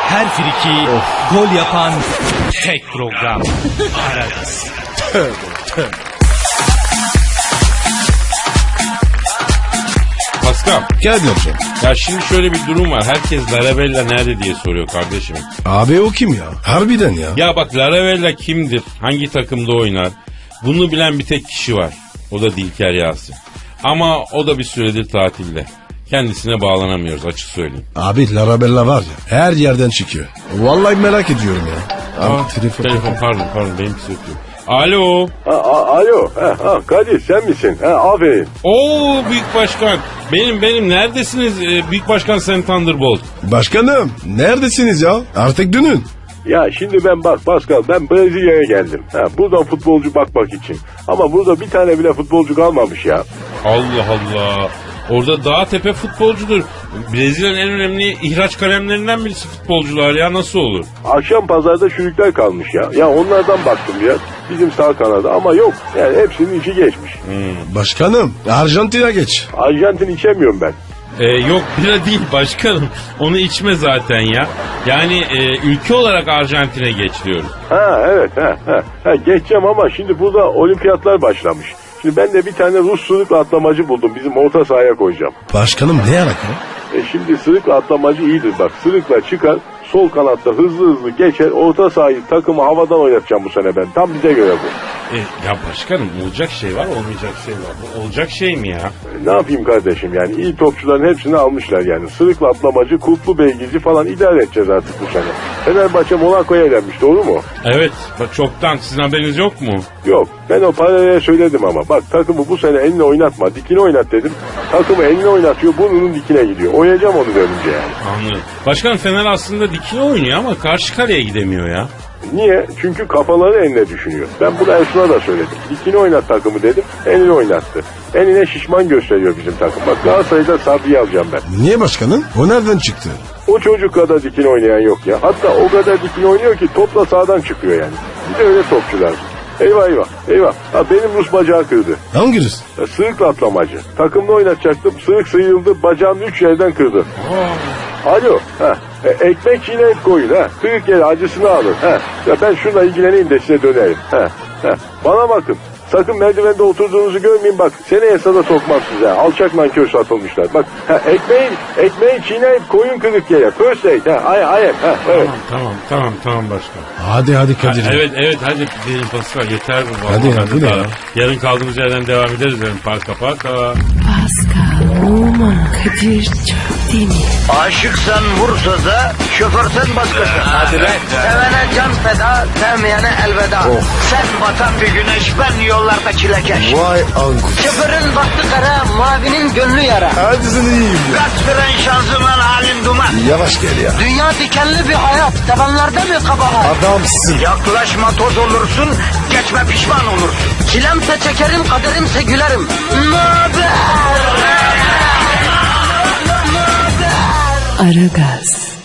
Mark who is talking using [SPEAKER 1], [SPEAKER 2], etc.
[SPEAKER 1] her friki gol yapan tek program. Aragaz.
[SPEAKER 2] Tövbe tövbe.
[SPEAKER 3] Pascal.
[SPEAKER 2] Geldim hocam.
[SPEAKER 3] Ya şimdi şöyle bir durum var. Herkes Larabella nerede diye soruyor kardeşim.
[SPEAKER 2] Abi o kim ya? Harbiden ya.
[SPEAKER 3] Ya bak Larabella kimdir? Hangi takımda oynar? Bunu bilen bir tek kişi var. O da Dilker Yasin. Ama o da bir süredir tatilde. Kendisine bağlanamıyoruz açık söyleyeyim.
[SPEAKER 2] Abi Larabella var ya her yerden çıkıyor. Vallahi merak ediyorum ya. Abi,
[SPEAKER 3] Telefon pardon benimkisi ötüyor. Alo.
[SPEAKER 4] Alo. Kadir sen misin? Aferin.
[SPEAKER 3] Oo Büyük Başkan. Benim neredesiniz Büyük Başkan Sen Thunderbolt?
[SPEAKER 2] Başkanım neredesiniz ya? Artık dönün.
[SPEAKER 4] Ya şimdi bak Pascal ben Brezilya'ya geldim. Buradan futbolcu bakmak için. Ama burada bir tane bile futbolcu kalmamış ya.
[SPEAKER 3] Allah Allah. Orada dağ tepe futbolcudur. Brezilya'nın en önemli ihraç kalemlerinden birisi futbolcular ya, nasıl olur?
[SPEAKER 4] Akşam pazarda çürükler kalmış ya. Ya onlardan baktım biraz. Bizim sağ kanada ama yok. Yani hepsinin içi geçmiş.
[SPEAKER 2] Başkanım Arjantin'e geç.
[SPEAKER 4] Arjantin içemiyorum ben.
[SPEAKER 3] Yok bira değil başkanım. Onu içme zaten ya. Yani ülke olarak Arjantin'e geç diyoruz.
[SPEAKER 4] Evet. Geçeceğim ama şimdi burada olimpiyatlar başlamış. Şimdi ben de bir tane Rus sırıkla atlamacı buldum. Bizim orta sahaya koyacağım.
[SPEAKER 2] Başkanım ne alaka?
[SPEAKER 4] Şimdi sırıkla atlamacı iyidir bak. Sırıkla çıkar, sol kanatta hızlı geçer. Orta sahayı takımı havadan oynatacağım bu sene ben. Tam bize göre bu.
[SPEAKER 3] Ya başkanım olacak şey var, olmayacak şey var. Bu olacak şey mi ya?
[SPEAKER 4] Ne yapayım kardeşim yani iyi topçuların hepsini almışlar yani. Sırıkla atlamacı, Kutlu Beygirci falan idare edeceğiz artık bu sene. Fenerbahçe Monaco'ya elenmiş, doğru mu?
[SPEAKER 3] Evet bak çoktan, sizin haberiniz yok mu?
[SPEAKER 4] Yok, ben o paraya söyledim ama bak takımı bu sene eline oynatma, dikine oynat dedim. Takımı eline oynatıyor, burnunun dikine gidiyor. Oynayacağım onu dönünce yani.
[SPEAKER 3] Anladım. Başkanım Fener aslında dikine oynuyor ama karşı kaleye gidemiyor ya.
[SPEAKER 4] Niye? Çünkü kafaları eline düşünüyor. Ben bunu Ersun'a da söyledim. Dikine oynat takımı dedim, eline oynattı. Eline şişman gösteriyor bizim takım. Bak Galatasaray'da Sabri'yi alacağım ben.
[SPEAKER 2] Niye başkanım? O nereden çıktı?
[SPEAKER 4] O çocuk kadar dikine oynayan yok ya. Hatta o kadar dikine oynuyor ki topla sağdan çıkıyor yani. Bir de öyle topçular. Eyvah. Benim Rus bacağı kırdı.
[SPEAKER 2] Hangi Rus?
[SPEAKER 4] Sığırkla atlamacı. Takımda oynatacaktım. Sığırk sıyrıldı. Bacağını 3 yerden kırdı. Alo. Ekmek çiğneyip koyun. Kırık yere acısını alın. Ya ben şunla ilgileneyim de size dönerim. Bana bakın. Sakın merdivende oturduğunuzu görmeyin bak. Seneye sada sokmam size. Alçak nankör satılmışlar. Bak ekmeği çiğneyip koyun kırık yere. First aid. Evet.
[SPEAKER 3] Tamam başkan.
[SPEAKER 2] Hadi Kadir.
[SPEAKER 3] Evet hadi diyelim Pascal, yeter bu.
[SPEAKER 2] Hadi ya.
[SPEAKER 3] Yarın kaldığımız yerden devam ederiz derim. Parka.
[SPEAKER 5] Pascal, Oman, Kadir çok değil mi?
[SPEAKER 6] Aşıksan vursa da, şoförsen başkasın. Hadi
[SPEAKER 2] lan.
[SPEAKER 6] Sevene can feda, sevmeyene elveda. Sen batan bir güneş, ben yollarda çilekeş.
[SPEAKER 2] Vay anku.
[SPEAKER 6] Şoförün baktı kara, mavinin gönlü yara.
[SPEAKER 2] Hadi sen iyiyim ya.
[SPEAKER 6] Kasperen şanzıman halin duman.
[SPEAKER 2] Yavaş gel ya.
[SPEAKER 6] Dünya dikenli bir hayat, sevenlerde mi kabahar?
[SPEAKER 2] Adamsın.
[SPEAKER 6] Yaklaşma toz olursun, geçme pişman olursun. Çilemse çekerim, kaderimse gülerim. Möber!
[SPEAKER 5] Aragaz.